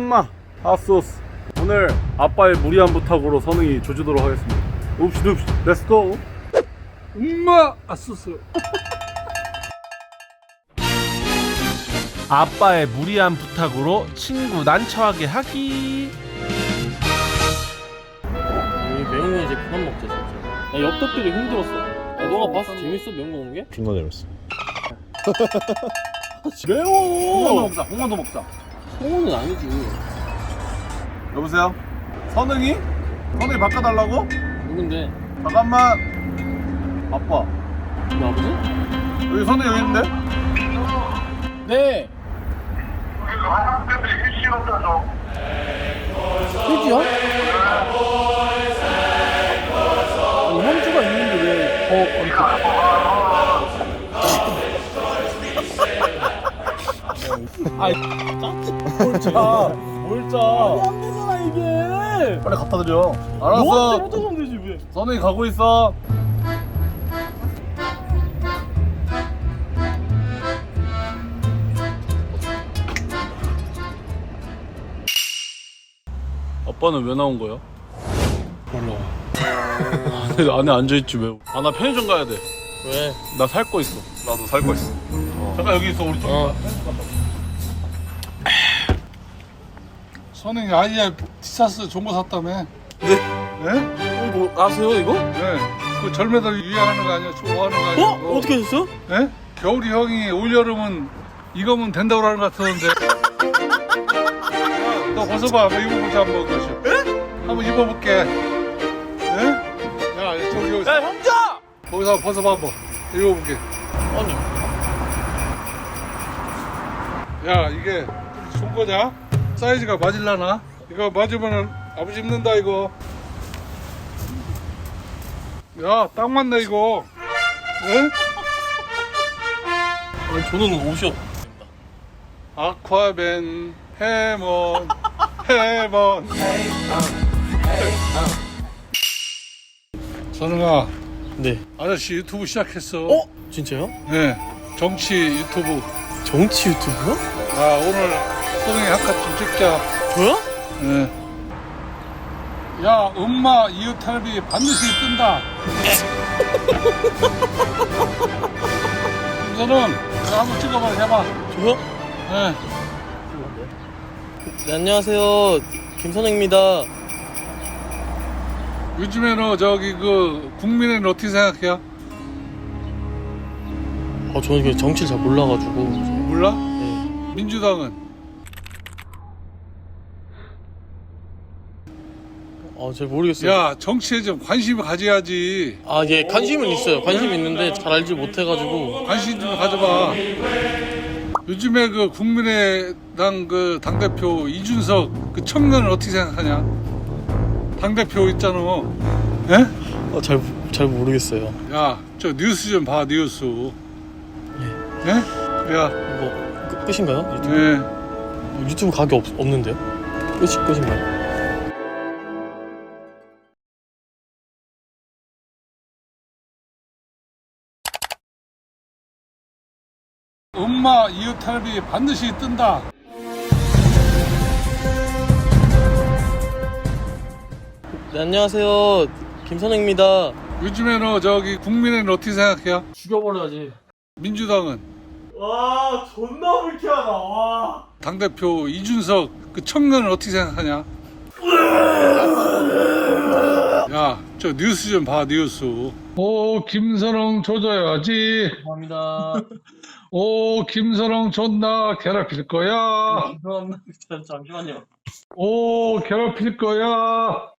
엄마 핫소스. 오늘 아빠의 무리한 부탁으로 선웅이 조지도록 하겠습니다. 읍시 렛츠고. 엄마 핫소스. 아빠의 무리한 부탁으로 친구 난처하게 하기. 매운 거 이제 그만 먹자 진짜. 야 엽떡들이 힘들었어. 야, 너가 봤어? 재밌어? 매운 거 먹는 게? 빙고 내렸어. 홍어도 먹자. 홍어도 먹자. 홍어는 아니지. 여보세요? 선웅이? 선웅이 바꿔달라고? 누군데? 잠깐만. 아빠. 우리 아버지? 여기 선웅이 여기 있는데? 네. 휴지요? 아니 현주가 있는데 왜 아이 뭘 짜? 뭘 짜? 안 되잖아 이게. 빨리 갖다 드려. 너가 알았어. 잘못하면 되지 왜? 선웅이 가고 있어. 아빠는 왜 나온 거야? 몰라. 안에 앉아있지 왜? 아 나 편의점 가야 돼. 왜? 나 살 거 있어. 나도 살 거 있어. 잠깐 여기 있어 우리 좀. 선생님 아이야 티셔츠 좋은 거 샀다며. 네? 네? 뭐 아세요 이거? 네. 그 젊은이들 유행하는 거 아니야? 좋아하는 거 아니야? 어? 어떻게 하셨어? 네? 겨울이 형이 올여름은 이거면 된다고 하는 것 같았는데. 야, 너 벗어봐. 한번 입어보자 한번 그것이. 한번 입어볼게. 네? 야 저기 야 형자! 거기서 한번 벗어봐 한번. 입어볼게. 아니 야 이게 좋은 거냐? 사이즈가 맞을라나? 이거 맞으면은 아버지 입는다 이거. 야 딱 맞네 이거. 네? 아니 저는 옷이 없. 아쿠아맨 해먼 해먼. 선웅아 네. 아저씨 유튜브 시작했어. 어? 진짜요? 네 정치 유튜브. 정치 유튜브요? 아 오늘 선웅이 한컷 좀 찍자. 저요? 네. 야 엄마 이웃 텔레비 반드시 뜬다. 김선웅 이거 한번 찍어봐 해봐. 저요? 네. 네, 안녕하세요. 김선웅입니다. 요즘에는 저기 그 국민의는 어떻게 생각해요? 저는 그 정치를 잘 몰라가지고. 몰라? 네. 민주당은? 잘 모르겠어요. 야 정치에 좀 관심을 가져야지. 예, 관심은 있어요. 관심이 있는데 잘 알지 못해가지고. 관심 좀 가져봐. 요즘에 그 국민의당 그 당대표 이준석 그 청년을 어떻게 생각하냐? 당대표 있잖아. 예? 잘 모르겠어요. 야 저 뉴스 좀 봐 뉴스. 예? 야 뭐, 끝인가요? 유튜브? 예. 유튜브 가게 없는데요? 끝인가요? 엄마 이웃 텔레비 반드시 뜬다. 네, 안녕하세요. 김선웅입니다. 요즘에는 저기 국민의는 어떻게 생각해요? 죽여버려야지. 민주당은? 와, 존나 불쾌하다, 와. 당대표 이준석 그 청년을 어떻게 생각하냐? 야, 저 뉴스 좀 봐, 뉴스. 오, 김선웅 조져야지. 감사합니다. 오, 김선웅 존나 괴롭힐 거야. 죄송합니다. 잠시만요. 오, 괴롭힐 거야.